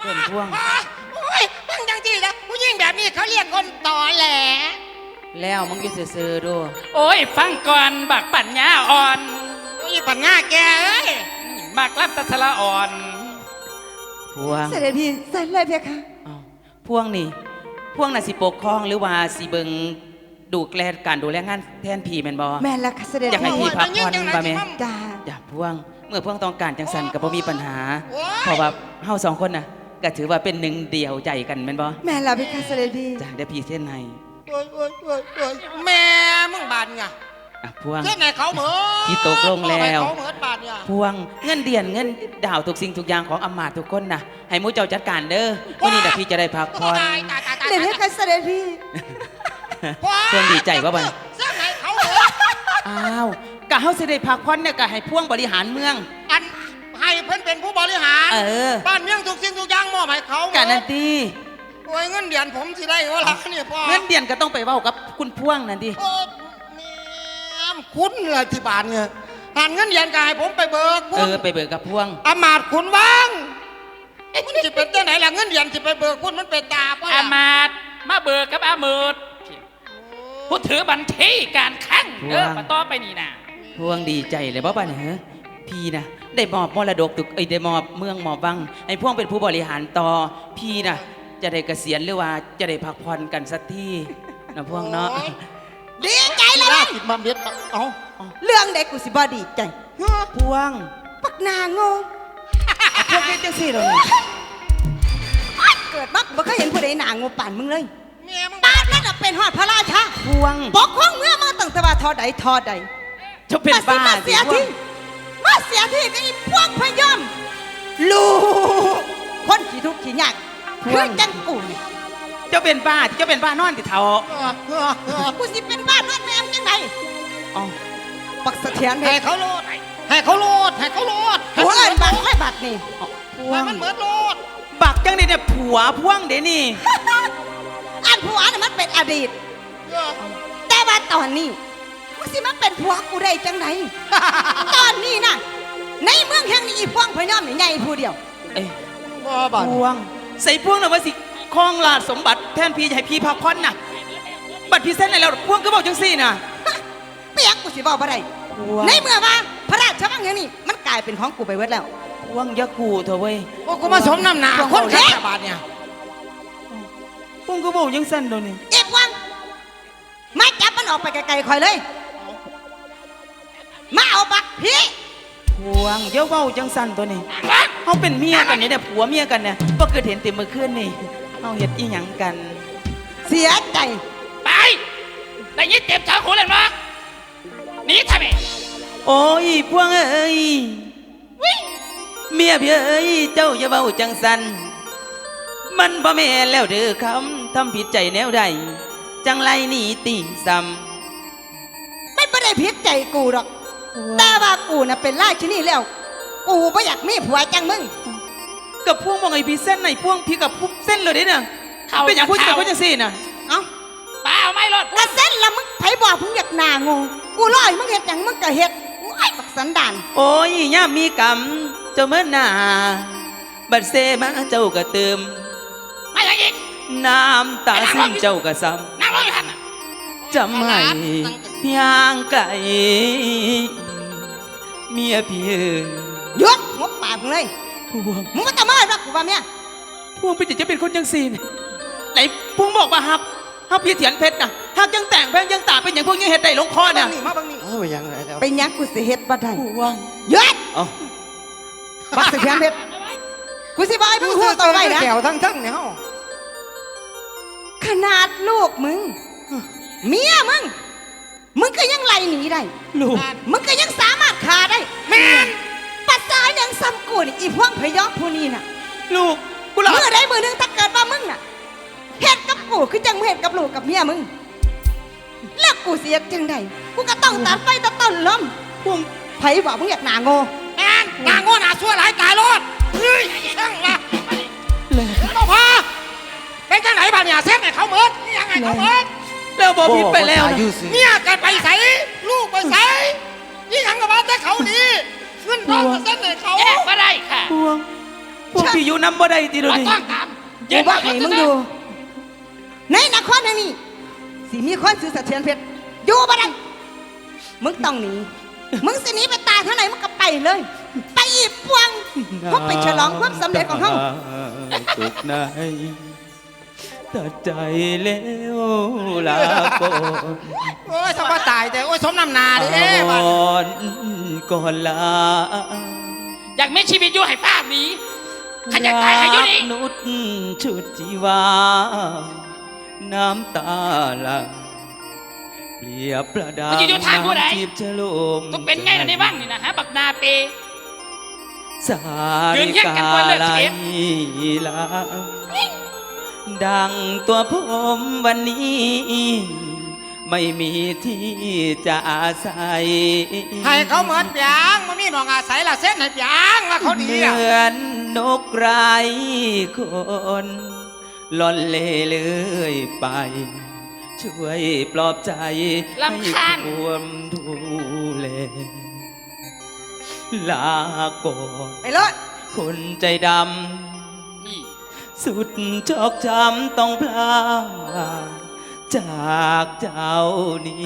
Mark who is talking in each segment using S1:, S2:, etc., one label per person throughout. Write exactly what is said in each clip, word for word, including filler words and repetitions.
S1: เต้นพ่วง
S2: โอ้ยเพิ่งจังจีนะผู้หญิงแบบนี้เขาเรียกคนต่อแหล
S1: แล้วมึงจะซื่อๆดู
S3: โอ้ยฟังก่อนบักปัญญาอ่อน
S2: อีปัญญาแกเอ้ย
S3: บักรับตัชละอ่อน
S1: พ่วง
S4: เสด็จพี่ใส่เลยเพียค่ะ
S1: พ่วงนี่พ่วงน่ะสิปกครองหรือว่าสิเบิงดูแลการดูแลงานแทนพี่แม่นบ่
S4: แม่ละค่ะเสด็จ
S1: อยากให้พี่พักผ่อนบ่แม่
S4: จ้า
S1: อย่าพ่วงเมื่อพ่วงต้องการจังสันก็บ่มีปัญหาเพราะว่าเฮาสองคนน่ะก็ถือว่าเป็นหนึ่งเดียวใจกันแม่นบ่
S4: แม่ละเพียค่ะเสด็จพี่
S1: จ้าเดี๋ยวพี่เส้นให้
S2: โอ้ยโอ้ยโอ้ยโอ้ยแม่มึงบาดไง
S1: อ่ะพ่วง
S2: เส้นไหนเขาเหมือ
S1: พี่ตกลงแล้ว
S2: เขาเหมือบาดไง
S1: พ่วงเงินเดือนเงินดาวทุกสิ่งทุกอย่างของอำมาตย์ทุกคนน่ะให้มู้เจ้าจัดการเด้อวันนี้น่ะพี่จะได้พักผ่อน
S4: เดี๋ยวเพียค่ะเสด็จพี่
S1: เพิ่งดีใจว่าบ่
S2: เส้นไหนเขาเหมือ
S1: อ้าวกะเฮาสิได้พักผ่อนเนี่ยกะให้พ่วงบริหารเมือง
S2: อันให้เพิ่นเป็นผู้บริหาร
S1: เออ
S2: บ้านเมืองทุกสิ่งทุกอย่างมอบให้เขา
S1: กะนั่นติ
S2: โอ้ยเงินเดือนผมสิได้ว่าล่ะนี่พ่อ
S1: เงินเดือนก็ต้องไปเว้ากับคุณพ่วงนั่นติ
S2: โอ้แม่คุณล่ะที่บ้านเนี่ยหันเงินเดือนก็ให้ผมไปเบิก
S1: เออไปเบิกกับพ่วง
S2: อำมาตย์คุณว่างมันสิเป็นจังไหนล่ะเงินเดือนสิไปเบิกคุณมันเป็นตาป่ะ
S3: อามาดมาเบิกกับอามืดผู้ถือบัญชีการคลังเออมาต่อไปนี่นะ
S1: พ่วงดีใจเลยบ่บ่เนี่ยพี่นะได้มอบมรดกตึกเอ้ยได้มอบเมืองมอบวังให้พ่วงเป็นผู้บริหารต่อพี่นะจะได้เกษียณหรือว่าจะได้พักผ่อนกันสักทีนะพ่วงเนาะ
S2: ดีใจเลยติดมาเม็ดเอา
S4: เรื่องใดกูสิบ่ดีใจ
S1: พ่วง
S4: ปักนางง
S1: พวกนี้จังซี่เหรอ
S4: เกิดมาบ่เคยเห็นผู้ใดหนางงป่านมึงเลย
S2: แม่มึง
S4: บ้านนั่นเป็นฮอดพระราชา
S1: พ่วง
S4: ปกครองเมื่อมาตั้งแต่ว่าทอใดทอใด
S1: จะเป็นบ้า
S4: เสียที่มาเสียที่ก็อีพวกพยอมลูกคนขี้ทุกข์ขี้ยากคือจังกูนี่
S1: เจ้าเป็นบ้าเจ้าเป็นบ้านอนติเท่า
S4: กูสิเป็นบ้านนอนแม่จังได
S1: อ๋อ
S4: ปักเสถียร
S2: ให้เขาโลดให้เขาโลดให้เขาโลด
S4: หัวเอิ้นบักไว้บักนี่
S2: ให้มันเหมือนโลด
S1: บักจังได๋เนี่ยผัวพ่วงเด้นี่
S4: อันผัวน่ะมันเป็นอดีตแต่ว่าตอนนี้มึงสิมาเป็นผัวกูได้จังไดตอนนี้น่ะในเมืองแห่งนี้อีพวงพยอมนี่ใหญ่ผู้เดียว
S1: เอ้ยพวงใส่พวงน่ะว่าสิครองราชสมบัติแทนพี่ให้พี่พักผ่อนน่ะบัดพี่เส้นให้แล้วพวงก็บอกจังซี่น่ะ
S4: เปียกกูสิบอกบ่ได้ในเมื่อว่าพระราชวังแห่งนี้มันกลายเป็นของกูไปเบิดแล้ว
S1: พวงอย่ากูเถอะเว้ย
S2: โอ้กูมาสมน้ำหนาคนแค่บาทเนี่ย
S1: พวงก็บอกจังซั่นโดนนี่
S4: เอ็บวังมาจับมันออกไปไกลๆคอยเลยมาเอาบักพี่
S1: พวงอย่าเว้าจังซั่นตัวนี้เฮาเป็นเมียกันเนี่ยผัวเมียกันเนี่ยบ่เกิดเห็นแต่เมื่อคืนนี่เฮาเฮ็ดอีหยังกัน
S4: เสียใจ
S3: ไปได้ยินเจ็บชาวหูเลยมั้งหนีทำไม
S1: โอ้ยพวงเอ้ยเมียพี่เอ้ยเจ้าอย่าเว้าจังซั่นมันบ่แม่นแล้วเด้อคำทำผิดใจแนวใดจังไรนี่ติ่งซ้
S4: ำไม่ไม่ได้ผิดใจกูหรอกแต่ว่ากูน่ะเป็นราชินีแล้วกูไม่อยากมีผัวจังมึง
S1: กับพวงมองไอ้พี่เส้นไหนพวงพี่กับพุเส้นเลยเนี่ยเป็นอย่างพูดจะพูดจะสิน่ะ
S4: เอ้า
S3: เปล่าไม่รอด
S4: กระเส้นละมึงไผบอกมึงอยากหนางงกูลอยมึงเห็ดอย่างมึงก็เห็ดไอ้บักสันดาน
S1: โอ้ยย่ามีกรรมเจ้าเมื่อนาบัดเซมาเจ้าก็เติม
S3: ไม่อย่างอีก
S1: น้ำตาซึมเจ้าก็ซ้
S3: ำน้ำร้อนทัน
S1: จำให้เพียงไก่เมียพี่
S4: ยกงบปากมึงเลย
S1: พวง
S4: มึงก็จะมารักกูว่าเมีย
S1: พวงเป็นจะเป็นคนยังซีนไหนพวงบอกว่าฮักฮักพี่เถียนเพชรนะฮักยังแต่งแพงยังตาเป็นอย่างพวกยังเห็ดได้ลงคอเนี่ย
S2: มาบังนี่
S4: เออยังไงแล้วเป็นยังกูสิเห็ดบ่ได้
S1: พวง
S4: ยกบักเถียนเพชรกูสิบายมึงหัวตัวไว้นะ
S2: แก้วทั้งทั้งเนี่ย
S4: ขนาดลูกมึงเมียมึงมึงก็ยังไล่หนีได้
S1: ลูก
S4: มึงก็ยังสามารถฆ่าได้
S2: แม่น
S4: ปัสสาวะยังซ้ำกูนี่อีพวกพยอมผู้นี้น่ะ
S1: ลูกกู
S4: เมื่อใดมือนึงถ้าเกิดว่ามึงน่ะเฮ็ดกับกูคือจังเฮ็ดกับลูกกับเมียมึงแล้วกูเสียจังไดกูก็ต้องตัดไฟตัดต้นลม
S1: พวง
S4: ไผบอกมึงอยากหนาโง่
S2: แม่นหนาโง่หนาชั่วหลายตายรอดเฮ้ยช่างละเลยบ่พอเป็นจังไหนบ้านเนี่ยเส้นไหนเขาเมิดนี่ยังไงเขาเมิด
S1: แล้วบอกผิดไปแล้ว
S2: เนี่ยกันไปใส่ลูกไปใส่ยี่หังกับบ้านแต่เขาดีขึ้นร้องเส้นไหนเขา
S3: แยกมาได้ค่ะ
S1: พวงพพวกพี่อยู่น้ำบ่ได้ติดู
S3: บ่
S1: ดิ
S3: ต้องตาม
S4: กูบอกให้มึงอยู่ ในนครแห่งนี้สิมีคนซื้อเสถียรเพชรอยู่บ่ได้มึงต้องหนีมึงสิหนีไปตายเท่าไหร่มึงก็ไปเลย ไปอีปวงพวกไปฉลองความสำเร็จของเขา
S1: สุขในตัดใจแล้วลาก่อน
S2: โอ้ยสบายตายแต่โอ้ยสมน้ำหนาเด้บ้าน
S1: ก่อนก่อนลา
S3: อยากมีชีวิตอยู่ให้ภาพนี้ขันอยากตายให้อยู่นี่
S1: นุษชุดจีวา น้ำตาหลังเปรียบประดา
S3: มันจะอยู่ทางผู้ใด
S1: จีบฉลม
S3: ต้องเป็นไงล่ะในบ้านนี่นะฮะบักนาเป
S1: สา
S3: ยื
S1: ริ
S3: นแยกกั
S1: กาน
S3: ก่อนเลิก
S1: ลา
S3: เช
S1: ย
S3: ฟ
S1: ลาดังตัวผมวันนี้ ไม่มีที่จะอาศัย
S2: ให้เขาเหมือนเปียงมันมีหนองอาศัยละเส้นให้เปียงว่าเขาดี
S1: เห
S2: อ่ะ
S1: มือนนกไร้คนล่อนเล่เลื่อยไป ช่วยปลอบใจ
S3: รำคาญ
S1: ให้ความดูแลลาก่อน
S4: ไปรถ
S1: คนใจด
S3: นี่
S1: ำ สุดชอกช้ำต้องพลาดจากเจ้านี้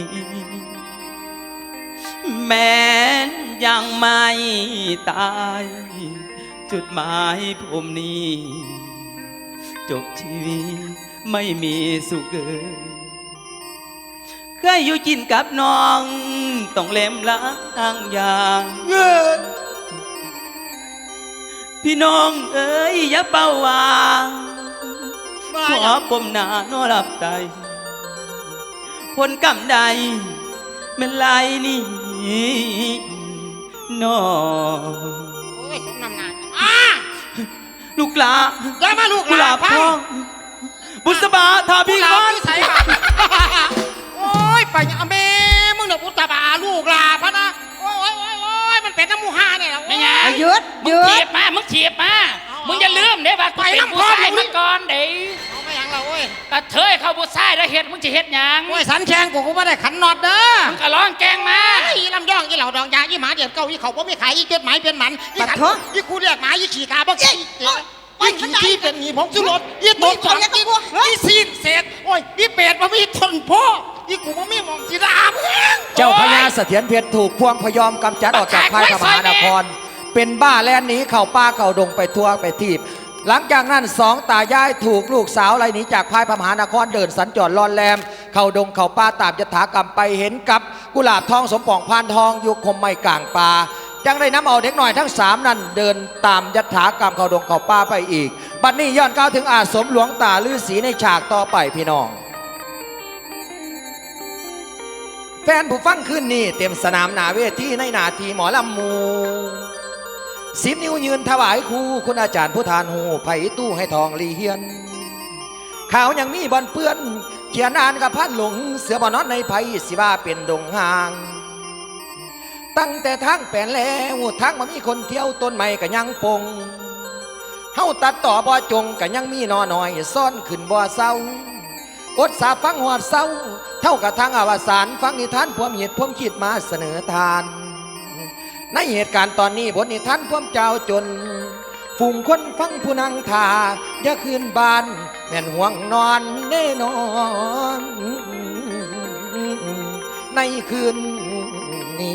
S1: แม้นยังไม่ตาย จุดหมายผมนี้ จบชีวิตไม่มีสุขเกินเคยอยู่กินกับน้อง ต้องเล็มล้างยางพี่น้องเอ๋ยอย่าเป้าวางขอปมหนาโนหลับใจผลกรรมใดแมันไหลนี่น้อง
S2: โอ้ยสมน้ำหนาอ่ะ
S1: ลูกหลา
S2: อย่ามาลูก
S1: กุหลาบ
S2: พั
S1: พองบุษบาทา
S2: พี่
S1: พี่
S2: ค
S1: ค
S2: อ
S1: อน น
S2: ใส่บาตรโอ้ยไปอย่าเมมึงเนี่ยพุทธบาลูกลาพะนะโอ้ยโอ้ยโอ้ยโอ้ยมันเป็นน้ำมูฮาเนี่ยแหละ
S3: ไม่ไง
S4: อ่ะหยุดห
S3: มึง
S4: ยุ
S3: เทีย
S4: ด
S3: บมามึงเทียบมามึงอย่าลืมเด้ว่ากูเป็นผู้ชายมาก่อนเด้
S2: เอาไม่ยังเราเว้ย
S3: กระเทยเข้าผู้ชายแล้วเฮ็ดมึงจะเฮ็ดหยัง
S2: โอ้ยสันแขงกูกูไม่ได้ขันนอดเด้อ
S3: มึงก็ร้องแกงมา
S2: ไอ้ลำย่องอีเหล่าดองยาอีหมาเดียดเก้าอีเขาบ่มีขายอีเจ็ดหมายเป็นหมันอีขันอีกูเรียกหมาอีขี่กาบ่ขี่อีขี่ที่เป็นหนีผมสุรสอีตัวสองอีอีซีนเศษโอ้ยอีเป็ดบ่มีทนพ่ออีกูบ่มีมองจีดาเมือง
S5: เจ้าพญาเสถียรเพชรถูกพวงพยอมกำจัดออกจากค่ายพระมหานคร เป็นบ้าแลนหนีเข้าป่าเข้าดงไปทั่วไปทีบ หลังจากนั้นสองตายายถูกลูกสาวไล่หนีจากพายพระมหานครเดินสัญจรลอนแรม เข้าดงเข้าป่าตามยถากรรมไปเห็นกับกุหลาบทองสมปองพานทองอยู่คมไม่กลางป่าจังได้น้ำเอาเด็กหน่อยทั้งสามนั้นเดินตามยถากรรมเข้าดงเข้าป่าไปอีก บัดนี้ย้อนก้าวถึงอาสมหลวงตาฤาษีในฉากต่อไปพี่น้อง แฟนผู้ฟังขึ้นนี่เต็มสนามหนาเวทีในหนาทีหมอลำมูสิบนิ้วยืนถวายครูคุณอาจารย์ผู้ทานหูไผ่ตู้ให้ทองลีเฮียนข่าวยังมีบอลเปื้อนเขียนอ่านกับพันหลงเสือบอนอนในไผ่สิว่าเป็นดงห่าง ตั้งแต่ทางแปลนแล้วทางมามีคนเที่ยวต้นไม้กับยังปงเฮาตัดต่อบ่จงกับยังมีนอหน่อยซ่อนขึ้นบ่เศร้าอดสาฟังหอดเศร้าเท่ากับทางอวสานฟังนิทานพวมเหตุพวมคิดมาเสนอทานในเหตุการณ์ตอนนี้บทนิทานพวมเจ้าจนฝูงคนฟังผู้นั่งทาอย่าคืนบ้านแม่นห่วงนอนแน่นอนในคืนนี้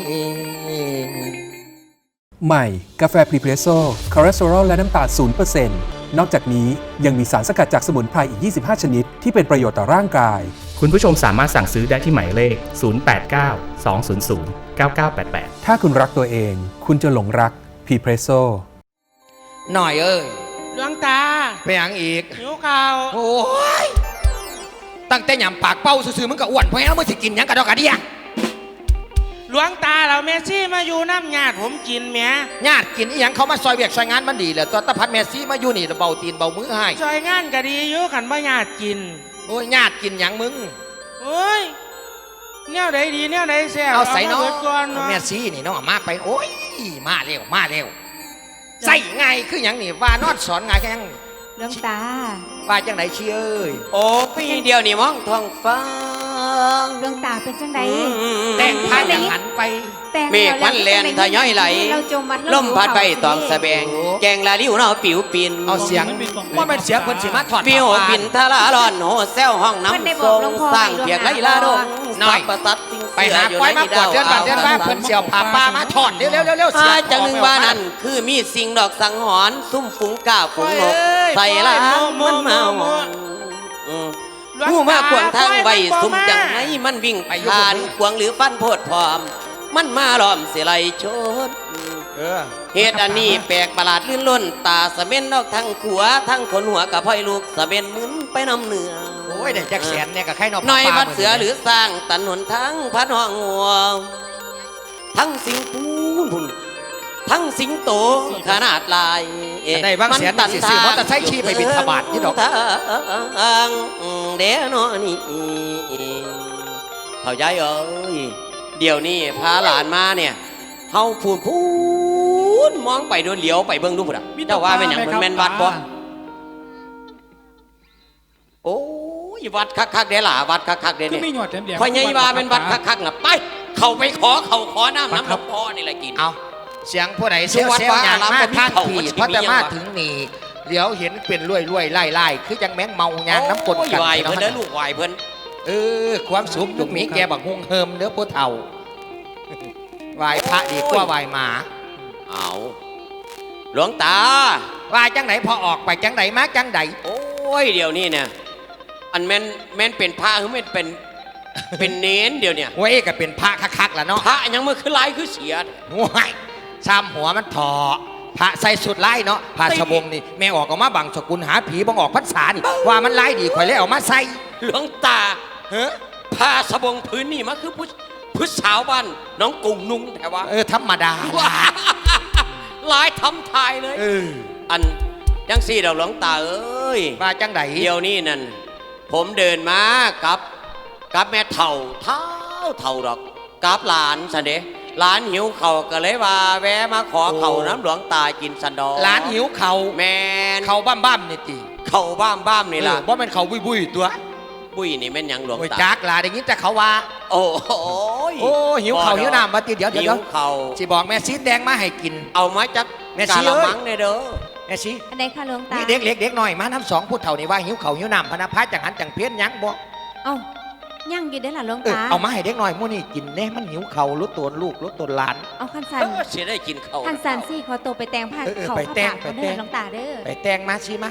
S6: ใหม่กาแฟพรีเพรสโซ่คอเลสเตอรอลและน้ำตาล ศูนย์เปอร์เซ็นต์ นอกจากนี้ยังมีสารสกัดจากสมุนไพรอีก ยี่สิบห้า ชนิด ที่เป็นประโยชน์ต่อร่างกาย
S7: คุณผู้ชมสามารถสั่งซื้อได้ที่หมายเลข ศูนย์ แปด เก้า สอง ศูนย์ ศูนย์ เก้า เก้า แปด แปด
S6: ถ้าคุณรักตัวเอง คุณจะหลงรักพรีเพรสโซ่
S5: หน่อยเอ้ย
S2: หลวงตา
S5: ไปหยังอีก
S2: หิวข้าว
S5: โอ้ยตั้งแต่หยำปากเป้าซื่อๆมึงก็อ้วนเพราะงั้นมึงสิกินหยังกระดอกกระเดีย
S2: หลวงตาเราเมซี่มาอยู่น้ำญาติผมกินแหม่
S5: ญาติกินอีหยังเขามาซอยเวียกซอยงานมันดีแหละตัวตะพัดแมซี่มาอยู่นี่เบาตีนเบามือให้
S2: ซอยงานก็ดีอยู่ขันบ่ญาติกิน
S5: โอ้ยญาติกินหยังมึง
S2: โอ้ยแนวใดดีแนวใดแซ่บ
S5: เอาใส่เนาะ
S2: มบิดก่อนเนาะ
S5: แมซี่นี่เนาะมาไปโอ้ยมาเร็วมาเร็วใส่ไงายคือหยังนี่ว่านอดสอนไงายแค่ยัง
S4: หลวงตา
S5: ว่าจังไหนเชี่ยเอ้ย
S8: โอ้พี่เดียวนี่มองท้องฟ้า
S4: หลวงตาเป็นจังได
S5: แต่งผ้าอย่างหันไป
S4: แต่ง
S1: เมฆมันแล่นทะย้อยไหล
S4: เราจมมา
S1: ลมพัดไปตองสะแบง แกงลาลิ้วเนาะปิวปิน
S5: เอาเสียงว่ามันเสียงคนสิมาถอด
S1: ปิว
S5: ผ้า
S1: ปินทะลาร้อนโหแซวห้องน้ำทรงสร้างเพียกไรลาดง
S5: น้อย
S1: ประสัตสิ่ง
S5: ไปหาควายมากวาดเดือนบาทเดือนบ้าเพิ่นเสียวผ้าป่ามาถอดเร็วเร็วเร็วเร็วเสี
S1: อาย จังหนึ่งว่านั่นคือมีสิ่งดอกสังหรณ์ซุ่มฝูงก้าฝูงนกใส่ละมันมาหอนอืมผู้มาขวางทางไว้ซุ่มจังไหนมันวิ่งผ่านขวางหรือฟันโพดพร้อม มันมาล้อมเสียไหลชด
S5: เออ
S1: เหตุอันนี้แปลกประหลาดลื่นล้นตาสะเม็นดอกทั้งขัวทั้งขนหัวกับพ่อยลูกสะเม็นหมึนไปน้ำเหนือ
S5: โอ้ยเด็กจักแสนเนี่ยกับไข่นอก
S1: น้อยวัดเสือหรือสร้างตันหนทั้งพัดห้องหัวทั้งสิงปูนพุ่นทั้งสิงโตขนาดลาย
S5: ได้บางแสนมันสิซื้อมอเตอร์ไซค์ขี่ไปบิณฑบาตนี่ดอก
S1: ทางเดนอนี่เขาย้ายเอ้ยเดี๋ยวนี้พาหลานมาเนี่ยเฮาพูนพูนมองไปโดนเหลียวไปเบิ่งดูพุ่นอ่ะเจ้าว่าเป็นอย่างมันแม่นวัดบ่โอ้ยวัดคักๆเด้ล่ะวัดคักๆเด้เนี่ย
S8: ไม่หยอดแถมเดียว
S1: พอใหญ่ว่าเป็นวัดคักๆน่ะไปเข้าไปขอเข้าขอน้ำน้ำหลวงพ่อนี่แหละกิน
S5: เอาเสียงผู้ใดเสีย
S1: สุวัด
S5: เสียง
S1: ว่า
S5: อย่าง
S1: อาราม
S5: มา
S1: บ่มี
S5: ทาง
S1: เขา
S5: ผี
S1: มันสิ
S5: เพราะจะ
S1: มีหยัง
S5: มาว
S1: ะ
S5: ถึงนี่เดี๋ยวเห็นเป็นรวยรวยไล่ไล่คือยังแมงเมายางน้ำกลน
S1: โอ้ย
S5: กัน
S1: ไหวเพิ่นเด้อลูกไหวเพิ่น
S5: เออความสุขจุกหมีแกบักฮวงเฮิมเด้อผู้เฒ่าไหวพระดีกว่าไหวหมา
S1: เอาหลวงตา
S5: ไหวจังไหนพอออกไปจังไหนมาจังไหน
S1: โอ้ยเดี๋ยวนี้เนี่ยอันแม่นแม่นเป็นพระหรือแม่นเป็นเป็นเน้นเดี๋ยวเนี่ย
S5: เว้ยก็เป็นพระคักๆล่ะเนาะ
S1: พระยังเมื่อคือลายคือเสีย
S5: ว้ายซ้ำหัวมันถอพระใส่สุดไล่เนาะผ้าสบงนี่แม่ออกออกมาบังสกุลหาผีบังออกพรรษานี่ว่ามันไล่ดีข่อยเลยเออกมาใส่
S1: หลวงตา
S5: เฮ้อ
S1: ผ้าสบงพื้นนี่มันคือผู้ผู้สาวบ้านน้องกุ้งนุ่งแต่ว่า
S5: เออธรรมดา
S1: ว้าลายทำทายเลย
S5: เออ
S1: อันจังสี่ดอกหลวงตาเอ้ย
S5: ว่าจังไหน
S1: เดี๋ยวนี้นั่นผมเดินมากับกับแม่เถ่าเท่าเท่าดอกกับหลานสันเดหลานหิวเขาวก็เลยว่าแวะมาขอเขาวน้ำหลวงตากินสันดอก
S5: หลานหิวเขา
S1: แมน
S5: เขาบ้ามบ้ามๆนี่จี
S1: เขาบ้ามบ้ามนี่ล่ะ
S5: เพราะมันเขาบุยบุยๆตัว
S1: บุ้ยนี่แม่นหยังหลวง
S5: โอ้ย
S1: ตา
S5: จักหลาได้ยินแต่เขาว่า
S1: โอ้โห
S5: โอ้หิวเขาหิวน้ำมาตีเดี๋ยวเดี๋ยว
S1: หิ
S5: เดี๋ยว
S1: วเขาว
S5: สิบอกแม่ซีแดงมาให้กิน
S1: เอามาจาก
S5: แม่
S1: กา
S5: ชี้
S1: ละ
S5: เอ้ย
S1: มังเนี่ยเด้อ
S5: แม่ซี
S4: อันไหนคะหลวงตา
S5: นี่เด็กเล็กเด็กน้อยมาน้ำสองพูดเท่านี่ว่าหิวเขาหิวน้ำพนาพาจังหันจังเพี้ยนหยังบ่
S4: เอ้าย่างอยู่ได้อล่ะหลวง
S5: เออ
S4: ตา
S5: เอามาให้เด็กน้อยมู่นี่กินแน่มันหิวเขาลดตัวลูกลดตัวหลาน
S4: เอาคันสัน
S1: เออเสียได้กินเขาว
S4: คันสันสี่ขอตัวไปแต่งผ้า
S5: เออเออ
S4: เขา
S5: ไป
S4: ผ้า
S5: แต่ง
S4: ปาก
S5: ไป
S4: เขา
S5: แต่
S4: เด้อง หลวงตาเด้อ
S5: ไปแตงมาสิมา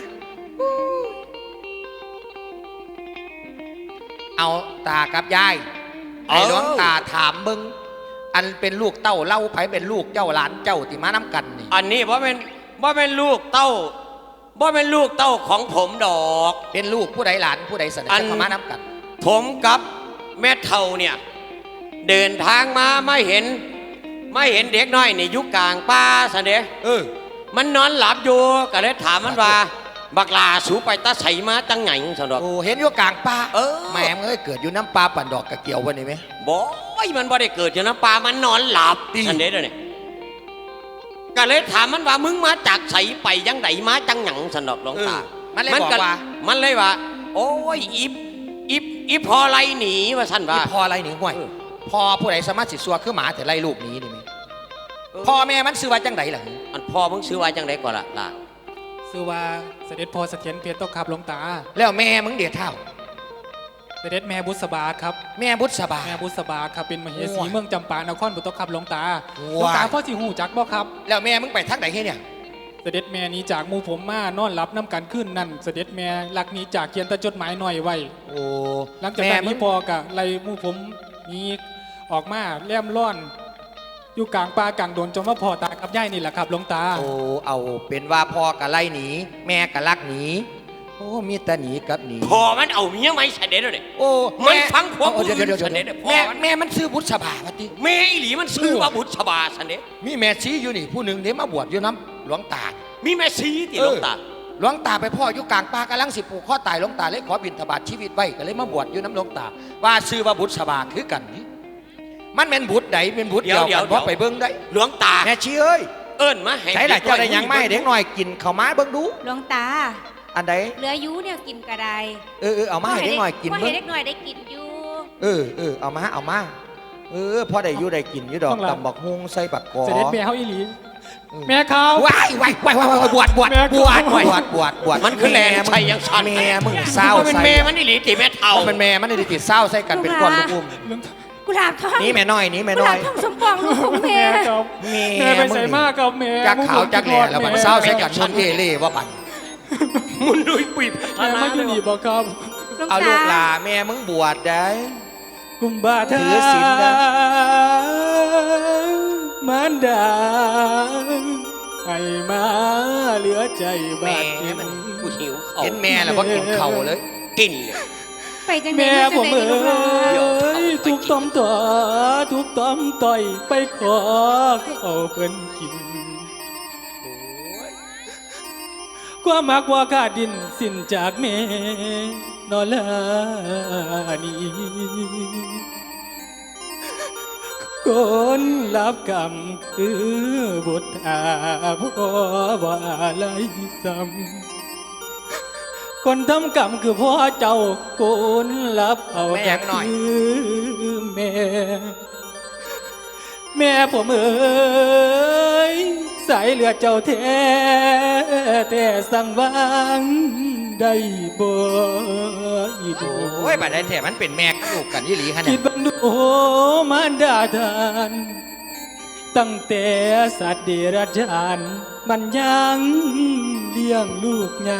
S5: เอาตากับยายไอ้หลวงตาถามมึงอันเป็นลูกเต้าเล่าไผเป็นลูกเจ้าหลานเจ้าที่มาน้ำกันนี่
S1: อันนี้ว่าเป็นว่าเป็นลูกเต้าว่าเป็นลูกเต้าของผมดอก
S5: เป็นลูกผู้ใดหลานผู้ใดเสนอ
S1: อัน
S5: จะเข้ามาน้ำกัน
S1: ผมกับแม่เท่าเนี่ยเดินทางมาไม่เห็น ไม่เห็นเด็กน้อยในยุคกลางป่าสันเด
S5: เออ
S1: มันนอนหลับอยู่ก็เลยถามมันว่า บักลาสูไปตาใสมาตั้งไงสันดอก
S5: โอ้เห็นอยู่กลางป่า
S1: เออ
S5: แม่มึงเอ้ยเกิดอยู่น้ำปลาปั่นดอกกระเกี่ยววันนี้ไหม
S1: บอยมันบ่ได้เกิดจากน้ำปลามันนอนหลับ
S5: ดี
S1: สันเดเดี๋ยวนี้ก็เลยถามมันว่ามึงมาจากใสไปยังไดมาจังหยังสันดอกหลวงตา
S5: มันเลยบอกว่า
S1: มันเลยว่า โอ้ยอีอีอีพอไรหนีว่าสันว่า
S5: นี่พออะไรหนิห่วย
S1: เออ
S5: พอผู้ใดสามารถสิสัวคือหมาแต่ไล่ลูกหนี้นี่ไหมพ่อแม่มันซื้อว่าจังไดล่ะ
S1: อันพ่อมึงซื้อไว้จังไดก่อนล่ะล่ะ
S8: ชื่อว่าเสด็จพ่อเสถียรเพชรตกครับหลวงตา
S5: แล้วแม่มึงเดียเท่า
S8: เสด็จแม่บุษบาครับ
S5: แม่บุษบา
S8: แม่บุษบาครับเป็นมเหสี
S5: โอ้ย
S8: เมืองจำปานครบุตรครับหลวงตา
S5: ว้าย
S8: หลวงตาพ่อสิหูจักบ่ครับ
S5: แล้วแม่มึงไปทางไหนเนี่ย
S8: เสด็จแม่หนี้จากหมู่ผมมานอนรับน้ำกันขึ้นนั่นเสด็จแม่หลักหนี้จากเขียนแตะจดหมายหน่อยไว้
S5: โอ้
S8: หลังจาก
S5: แม่
S8: นั้น
S5: มึ
S8: นี่
S5: ง
S8: พอกะไล่หมู่ผมหนี้ออกมาแล่มร่อน อยู่กลางป่ากลางโดนจนว่าพ่อตากับย่ายนี่แหละครับหลวงตา
S5: โอ้เอาเป็นว่าพ่อกะไล่หนีแม่กะลักหนีโอ้มีแต่หนีกับหนี
S1: พ่อมันเอาเมียไหมสันเดเดี๋ยวนี้
S5: โอ้
S1: มันฟังความ
S5: เดี๋ยวเดี๋ยวเดี๋ยว
S1: ผู้อื่นเสนอเดี๋ยวพ่อ
S5: แม่
S1: มัน
S5: แม่มันซื้อบุษบาปะติ
S1: แม่อีหลีมันซื้อว่าบุตรชบาสันเด
S5: มีแม่ชี้อยู่นี่ผู้หนึ่งเดี๋ยวมาบวชอยู่น้ำหลวงตา
S1: มีแม่ซีติหลวงตา
S5: หลวงตาไปพ่ออยู่กลางป่ากำลังสิปลูกข้อตายหลวงตาเลยขอบิณฑบาตชีวิตไว้ก็เลยมาบวชอยู่น้ำหลวงตา ว่าซื้อว่าบุตรสบาคือกันนี่มันเป็นบุตรใดเป็นบุตรเดียวกันเพราะไปเบิ้งได้
S1: หลวงตา
S5: แม่ชี้เอ้ย
S1: เอิ้นมาให้
S5: ใช่หละเจ้าได้หยังไม่เด็กหน่อยกินข้าวไม้เบิ้งดู
S4: หลวงตา
S5: อันใด
S4: เหลืออยูเนี่ยกินกระได
S5: เออเออเอามาให้เด็กหน่อยกิน
S4: พ่อ
S5: เบิ้
S4: ให้
S5: ง
S4: เด็กหน่อยได้กินอยู่
S5: เออเออเอามาเอามาเออพอได้อยู่ได้กินอยู่ดอกตำบักฮุงใส่บักกอ
S8: เสด็จแม่เฮาอีหลีแม่เขา
S5: ว้ายว้ายว้ายว้ายบวชบวชบวชบวชบวชบวช
S2: มันคือแลนชัยยังชัน
S5: แม่มึงเศร้า
S2: เป็น
S5: ใส่
S2: เมมันนี่หลีตีแม่เท่า
S5: เป็นแม่มันได้ติดเศร้าใส่กันเป็นก้อนลูกอุ้ม
S4: กุหลาบทอง
S5: นี่แม่น้อยนี่แม่
S4: กุห
S5: น้อ
S4: ลาย บทองสมปองลูกของแม่
S8: แม่ครับ
S5: แม่
S8: แม่ไปใส่มากครับแม่
S5: จักขาวจักแหล่แล้วมันเศร้าใส่กันชนเย่เล่ว่าบัน
S2: มุนดุยปุยพัฒ
S8: แม่
S2: นา
S8: ไม่อยู่นี่บอกครับ
S5: เอาลูกหลาแม่มึงบวชได้
S8: กุมบาทา
S5: ถือศีลนะ
S8: มารดาให้มาเหลือใจบา
S2: แม่
S8: ดเจ็บ
S2: มันกูหิวเขา
S5: เห็นแม่แล้วก็กินเข่าเลย
S2: กินเนี่ย
S4: ไปจัง
S8: แม่
S4: ได๋
S8: ผม
S4: จั
S8: เอ้
S4: งได๋ลูกหลาน
S8: ยทุกต้อมต่อทุกต้อมต่อยไปขอเอาเพิ่นกิน ความมักว่าขาดดินสิ้นจากแม่นอลานีคนรับกรรมคือบุตรอาพ่อว่าอะไรซ้ำคนทำกรรมคือพ่อเจ้าคนรับเอา
S5: แม่ยังหน่อย
S8: คือแม่ แม่ผมเอ๋ยสายเลือดเจ้าแท้แต่สั่งวางได้บ่อีดู
S5: โอ้ยบัดได้แถมันเป็นแม่กับลูกกันยี่หลีขนา
S8: คิ
S5: ด
S8: ดบังดูมารดาทานตั้งแต่สัตว์เดรัจฉานมันยังเลี้ยงลูกไง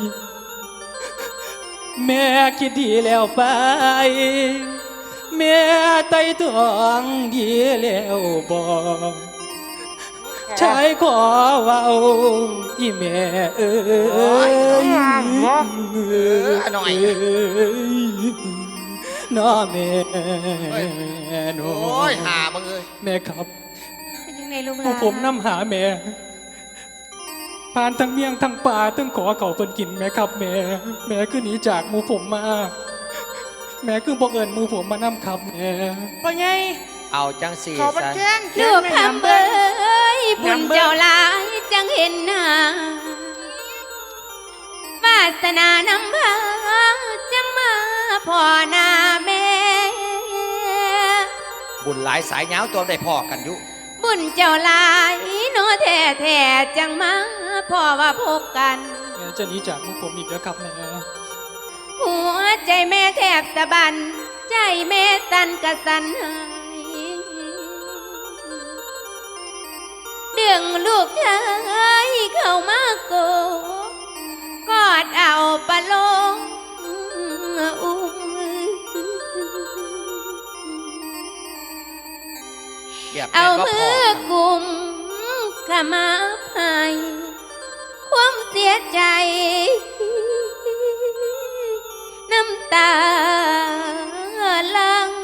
S8: แม่คิดดีแล้วไป แม่ไต่ตองดีแล้วบอกชายขอเว้าอีแม่เอ้ย
S5: หน่อย
S8: น้อแม่หนู
S5: โอ้ยหามึงเอ้ย
S8: แม่ครับ
S4: เป็นจังได๋ลูกห
S8: พว
S4: ลาก น
S8: ผมนำหาแม่ผ่านทั้งเมียงทั้งป่าทั้งขอเขาเพิ่นกินแม่ครับแม่ แม่คือหนีจากหมู่ผมมา แม่คือบอกเอิญหมู่ผมมานำครับแม่
S2: พ่อใหญ่
S5: เอาจังสี่
S2: เขามัน
S5: ซะ
S2: แข้ง
S4: ลูกคำเอ้ยบุญเจ้าหลายจังเห็นหน้าวาสนานำพาจังมาพ่อหน้าแม่
S5: บุญหลายสายเงาวตัวได้พ่อกันอยู่
S4: บุญเจ้าหลายโนแท้แท้ๆจังมาพ่อว่าพบกัน
S8: แม่จะหนีจากหมู่ผมอีกแล้วครับแม่
S4: หัวใจแม่แทบสะบัน ใจแม่สั่นกระสันหายเดืองลูกชายเข้ามาโกกอดเอาปะลงอุ้ม
S5: เหยียบ
S4: เอา
S5: แม่ก็
S4: มื
S5: พ่อ
S4: อกุมขมาให้ความเสียใจ น้ำตาลัง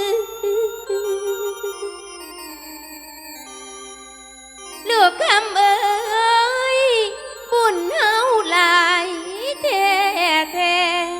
S4: ลูกคำเอ้ยบุญเฮาหลายแท้แท้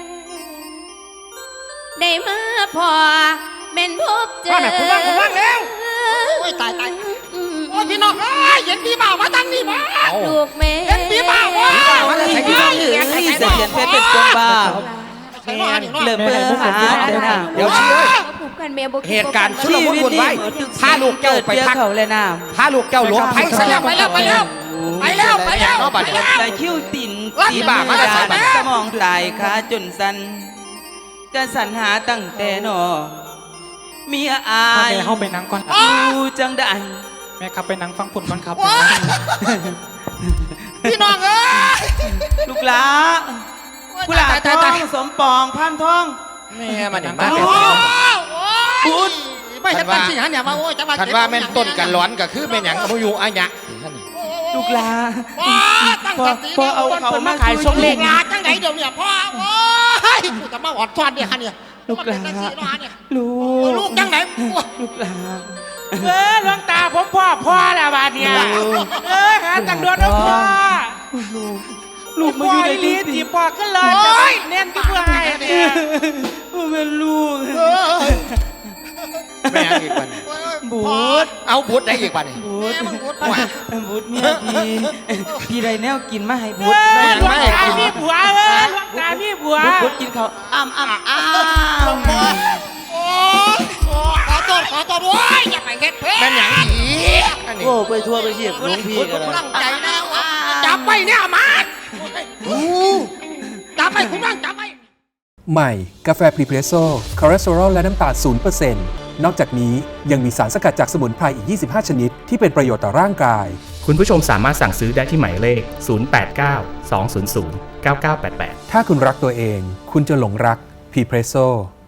S4: ได้มาพอเป็นพบเจอ
S2: ว่าแม่ผมว่างผมว่างแล้วโอ้ยตายตายโอ้ยพี่น้องเอ้ยเห็นพี่บ่าวมาตั้งนี่มา
S4: ลูกแม่
S2: เห็นพี่บ่าววะ
S5: ว่าจะใส่ดี
S1: เอ้ยเสถียรเพชรเป็นคนบ้า
S2: ใส่หม้อนี่เนาะ
S1: เลิกเบอร์หาเดินทาง
S5: เดี๋ยวเชื่อ
S4: ผูกกันแม่บ่คิด
S5: เหตุการณ์ชุล
S1: ชี
S5: มุน
S1: วิต
S5: วุ่น
S1: นี้
S5: วาย
S1: เหมือนทุก
S5: พาลูกเจ้าไป
S1: เจอ
S5: พัก
S1: เขาเลยนะ
S5: พาลูกเจ้าหลวงไผ่ซะแล้ว
S2: ไปแล้วไปแล้วไปแล้วไปแล้ว
S5: เนาะบัดนี้
S1: แต่คิ้วติ่น
S5: อีบ้ามาแต่ไสบัด
S1: สมองตายขาจนสัน จะสรรหาตั้งแต่นอเมียอาย
S8: แม่เข้าไปนั่งก่อน
S1: ดูจังได้
S8: แม่ครับไปนั่งฟังผลก่อนครับ
S2: ว้ายพี่น้องเอ้ย
S1: ลูกหลากุหลาบทองสมปองพันทอง
S5: แม่มันอย่าง
S2: โอ้
S5: บ้า
S2: โห
S5: เป็น
S2: บุญไม่เห็นปัญชีหันเนี่ยมาโอ้ยจะมา
S5: คันว่าแม่นต้นกันร้อนก็คือแม่นหยังบ่อยู่อะหยะ
S1: ลูกหลา
S2: ว้าตั้งสติ
S1: พอเอาเขามาขาย
S2: ส่งเลขลาจังไหนเดี๋ยวเนี่ยพ่อโอ้ยกูจะมาหอดทอดเนี่ยฮะเนี่ย
S1: ลูกหลา
S2: มันเป็นจังสีเนาะฮะเนี่ย
S1: ลู
S2: โอ้ย
S1: ก
S2: ลูกจังไหน
S1: ลูกหลา
S3: เออหลวงตาผมพ่อพ่อแล้วบาดเนี่ย เออหาตังโดนแล้วพ่อ
S1: ลูกลูกมาอยู่ใน
S3: ลี
S1: ลิ้น
S3: ที่พ่อขึ้นเลยจะเน้นที่เพื่อให้เนี่ย
S1: เป็นลูก
S2: เออ
S5: แม่อีกบัดนี้
S2: โอ้ย
S1: บู
S2: พ่อ
S1: ด
S5: เอาบุตรได้อีกบัดนี้
S1: บู
S2: แม่
S1: ด
S2: มึงพูดไป
S1: บูดเมียพี่พี่ไรแนวกินมาให้บูด
S3: เออหลวงตามีผัวเออหลวงตามีผัว
S1: บูดกินเขาวอ้ำอ้ำอ้ำ
S2: โอ้ยโอ้ยขอโทษขอโทษเฮ็ดเพชร
S5: แม่นหยังอีกอันนี้
S1: โอ้ไปทัวร์ไปเชียบหลวงพี่กัน
S2: ตั้งใจแล้วจับไว้เนี่ยมาจับไว้คุณนั่งจับไว้
S6: ใหม่ กาแฟพรีเพรสโซ่คอเลสเตอรอลและน้ำตาล ศูนย์เปอร์เซ็นต์ นอกจากนี้ยังมีสารสกัดจากสมุนไพรอีก ยี่สิบห้า ชนิด ที่เป็นประโยชน์ต่อร่างกาย
S7: คุณผู้ชมสามารถสั่งซื้อได้ที่หมายเลข ศูนย์ แปด เก้า สอง ศูนย์ ศูนย์ เก้า เก้า แปด แปด
S6: ถ้าคุณรักตัวเอง คุณจะหลงรักพรีเพรสโซ่